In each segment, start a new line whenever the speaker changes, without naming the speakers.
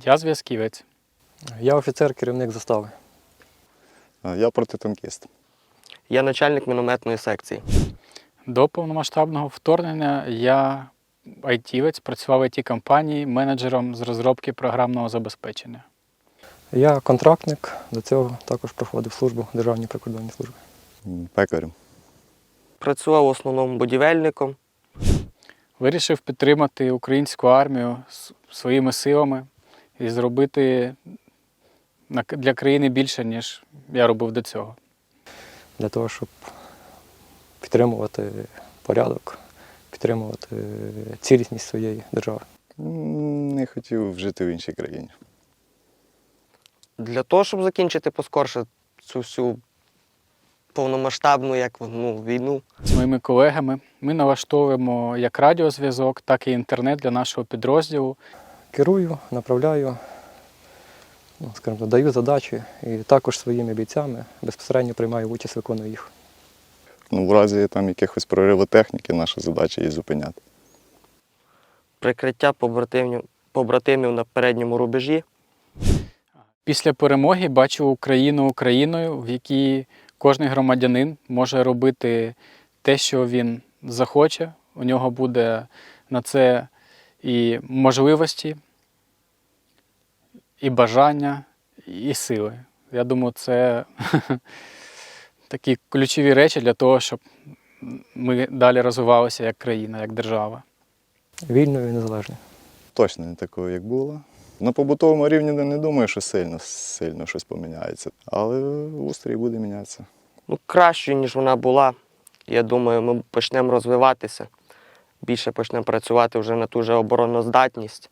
Я зв'язківець.
Я офіцер, керівник застави.
Я протитанкіст.
Я начальник мінометної секції.
До повномасштабного вторгнення я айтівець, працював в ІТ-компанії менеджером з розробки програмного забезпечення.
Я контрактник, до цього також проходив службу в Державній прикордонній службі.
Пекарем.
Працював в основному будівельником.
Вирішив підтримати українську армію своїми силами і зробити для країни більше, ніж я робив до цього.
Для того, щоб підтримувати порядок, підтримувати цілісність своєї держави.
Не хотів жити в іншій країні.
Для того, щоб закінчити поскорше цю всю повномасштабну війну.
З моїми колегами ми налаштовуємо як радіозв'язок, так і інтернет для нашого підрозділу.
Керую, направляю, скажімо, даю задачі і також своїми бійцями безпосередньо приймаю участь, виконую їх.
В разі там якихось прориву техніки, наша задача її зупиняти.
Прикриття побратимів на передньому рубежі.
Після перемоги бачу Україну Україною, в якій кожен громадянин може робити те, що він захоче. У нього буде на це і можливості, і бажання, і сили. Я думаю, це такі ключові речі для того, щоб ми далі розвивалися як країна, як держава.
Вільною і незалежною.
Точно не такою, як було. На побутовому рівні не думаю, що сильно щось поміняється. Але устрій буде мінятися.
Кращою, ніж вона була. Я думаю, ми почнемо розвиватися. Більше почнемо працювати вже на ту же обороноздатність.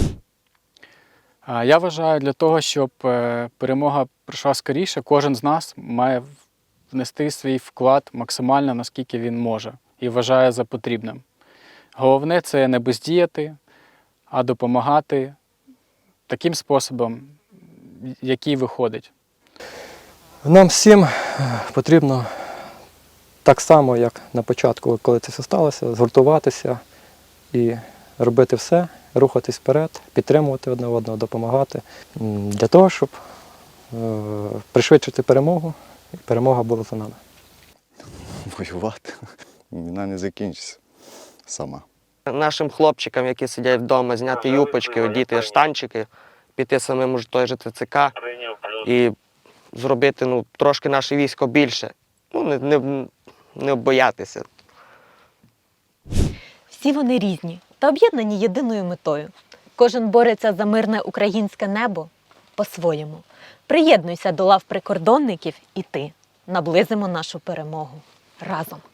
Я вважаю, для того, щоб перемога прийшла скоріше, кожен з нас має внести свій вклад максимально, наскільки він може, і вважає за потрібним. Головне – це не бездіяти, а допомагати таким способом, який виходить.
Нам всім потрібно так само, як на початку, коли це все сталося, згуртуватися і робити все, рухатись вперед, підтримувати одне одного, допомагати, для того, щоб пришвидшити перемогу, і перемога була за нами.
Воювати. Війна не закінчиться сама.
Нашим хлопчикам, які сидять вдома, зняти юпочки, одіти штанчики, піти самим у той же ТЦК і зробити трошки наше військо більше. Не боятися.
Всі вони різні та об'єднані єдиною метою. Кожен бореться за мирне українське небо по-своєму. Приєднуйся до лав прикордонників і ти. Наблизимо нашу перемогу разом.